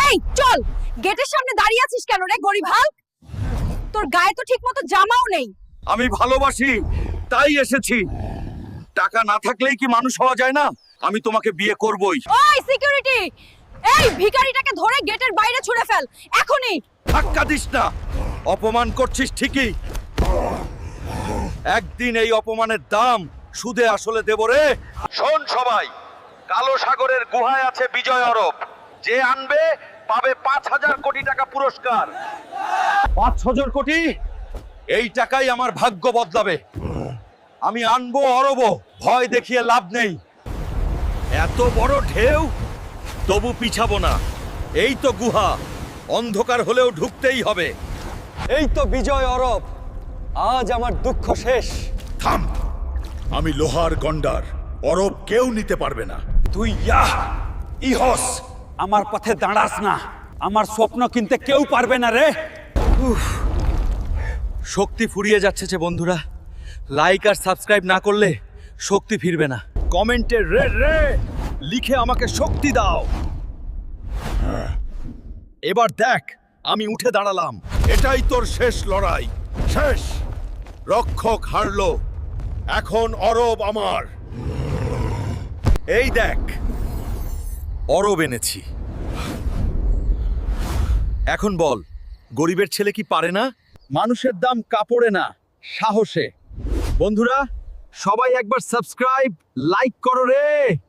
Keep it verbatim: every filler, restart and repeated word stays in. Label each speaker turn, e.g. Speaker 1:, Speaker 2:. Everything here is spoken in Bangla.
Speaker 1: এই চল, গেটের সামনে দাঁড়িয়ে আছিস কেন রে গরিব হাল্ক? তোর গায়ে তো ঠিকমতো জামাও নেই।
Speaker 2: আমি ভালোবাসি তাই এসেছি। টাকা না থাকলেই কি মানুষ হওয়া যায় না? আমি তোমাকে বিয়ে করবই।
Speaker 1: ওই সিকিউরিটি, এই ভিখারিটাকে ধরে গেটের বাইরে ছুঁড়ে ফেল এখনই।
Speaker 2: ধাক্কা দিস না, অপমান করছিস ঠিকই। একদিন এই অপমানের দাম সুদে আসলে দেব রে। শোন সবাই, কালো সাগরের গুহায় আছে বিজয় অরব। যে আনবে পাবে পাঁচ হাজার কোটি টাকা পুরস্কার। পাঁচ হাজার কোটি, এই টাকাই আমার ভাগ্য বদলাবে। আমি আনবো অরব, ভয় দেখিয়ে লাভ নেই। এত বড় ঢেউ, তবু পিছাবো না। এই তো গুহা, অন্ধকার হলেও ঢুকতেই হবে। এই তো বিজয় অরব, আজ আমার দুঃখ শেষ।
Speaker 3: থাম, আমি লোহার গন্ডার, অরব কেউ নিতে পারবে না।
Speaker 2: তুই ইয়াহ ইহস,
Speaker 4: আমার পথে দাঁড়াস না, আমার স্বপ্ন কিনতে কেউ পারবে না রে।
Speaker 2: শক্তি ফুরিয়ে যাচ্ছে যে বন্ধুরা। লাইক আর সাবস্ক্রাইব না করলে শক্তি ফিরবে না। কমেন্টে রে রে লিখে আমাকে শক্তি দাও। এবার দেখ, আমি উঠে দাঁড়ালাম।
Speaker 3: এটাই তোর শেষ লড়াই, শেষ। রক্ষক হারলো, এখন অরব আমার।
Speaker 2: এই দেখ, অরব এনেছি। এখন বল, গরিবের ছেলে কি পারে না? মানুষের দাম কাপড়ে না, সাহসে। বন্ধুরা, সবাই একবার সাবস্ক্রাইব লাইক করো রে।